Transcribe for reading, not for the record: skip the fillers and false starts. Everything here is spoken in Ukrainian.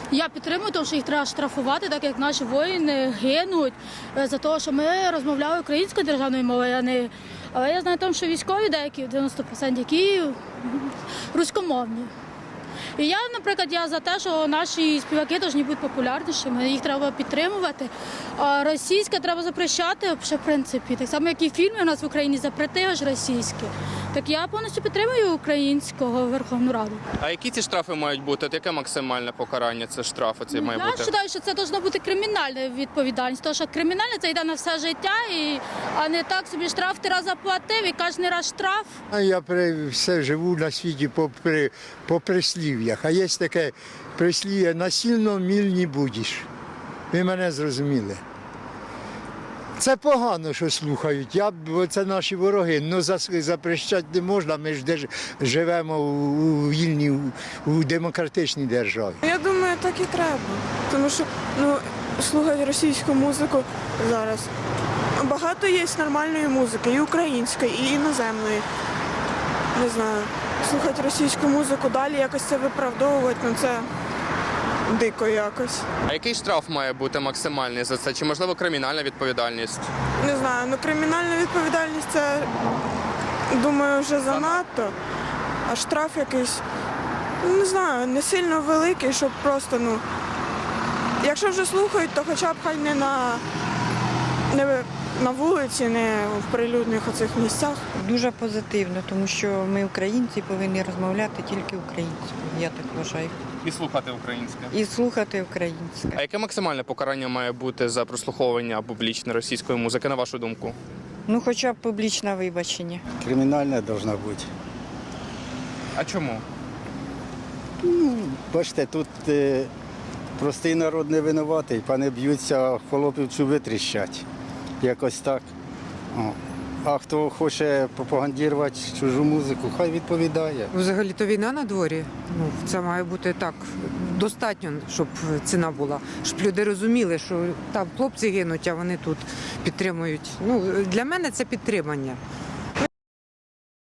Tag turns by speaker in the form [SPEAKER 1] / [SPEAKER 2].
[SPEAKER 1] Я підтримую, тому що їх треба штрафувати, так як наші воїни гинуть за те, що ми розмовляли українською державною мовою, Але я знаю, що військові деякі, 90%, які руськомовні. І я, наприклад, за те, що наші співаки повинні бути популярнішими, їх треба підтримувати. А російське треба запрещати, в принципі. Так само, як і фільми у нас в Україні запретили ж російське. Так я повністю підтримую українського Верховну Раду.
[SPEAKER 2] А які ці штрафи мають бути? От яке максимальне покарання це штраф має бути?
[SPEAKER 1] Я вважаю, що це повинна бути кримінальна відповідальність, тому що кримінальне це йде на все життя, а не так собі штраф ти раз заплатив і кожен раз штраф.
[SPEAKER 3] Я все живу на світі по прислів'ях, а є таке прислів'я «насильно міль не будеш». Ви мене зрозуміли. Це погано, що слухають, бо це наші вороги, але запрещати не можна, ми ж живемо у вільній, у демократичній державі.
[SPEAKER 4] Я думаю, так і треба, тому що слухати російську музику зараз. Багато є нормальної музики, і української, і іноземної. Не знаю, слухати російську музику, далі якось це виправдовувати, це дико якось.
[SPEAKER 2] А який штраф має бути максимальний за це? Чи, можливо, кримінальна відповідальність?
[SPEAKER 4] Не знаю, кримінальна відповідальність це, думаю, вже занадто. А штраф якийсь, не знаю, не сильно великий, щоб просто, якщо вже слухають, то хоча б хай не на вулиці, не в прилюдних оцих місцях.
[SPEAKER 5] Дуже позитивно, тому що ми українці повинні розмовляти тільки українською, я так вважаю.
[SPEAKER 2] І слухати українське.
[SPEAKER 5] І слухати українське.
[SPEAKER 2] А яке максимальне покарання має бути за прослуховування публічної російської музики, на вашу думку?
[SPEAKER 5] Хоча б публічне вибачення.
[SPEAKER 6] Кримінальна повинна бути.
[SPEAKER 2] А чому?
[SPEAKER 6] Бачите, тут простий народ не винуватий, пани б'ються, холопів чуби тріщать. Якось так. А хто хоче пропагандувати чужу музику, хай відповідає.
[SPEAKER 7] Взагалі-то війна на дворі. Це має бути так достатньо, щоб ціна була. Щоб люди розуміли, що там хлопці гинуть, а вони тут підтримують. Для мене це підтримання.